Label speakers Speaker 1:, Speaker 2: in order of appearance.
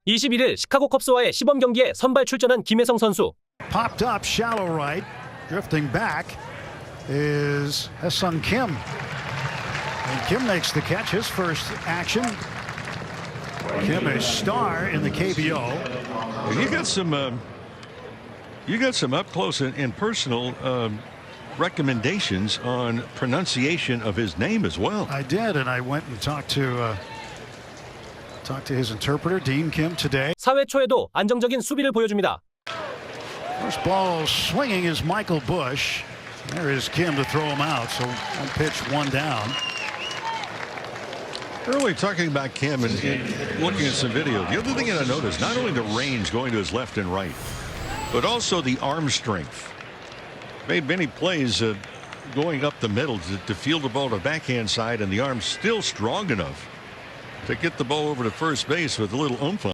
Speaker 1: 21일 시카고 컵스와의 시범 경기에 선발 출전한 김혜성 선수.
Speaker 2: Popped up, shallow right, drifting back is Ha-Seong Kim. And Kim makes the catch, his first action. Kim a star in the KBO.
Speaker 3: You got some up close and personal recommendations on pronunciation of his name as well.
Speaker 2: I did, and I went and talked to his interpreter, Dean Kim, today.
Speaker 1: 4회 초에도 안정적인 수비를 보여줍니다.
Speaker 2: First ball swinging is Michael Bush. There is Kim to throw him out, so one pitch, one down.
Speaker 3: Early talking about Kim and looking at some video, the other thing that I noticed, not only the range going to his left and right, but also the arm strength. Made many plays going up the middle to field the ball to the backhand side, and the arm still strong enough to get the ball over to first base with a little oomph on.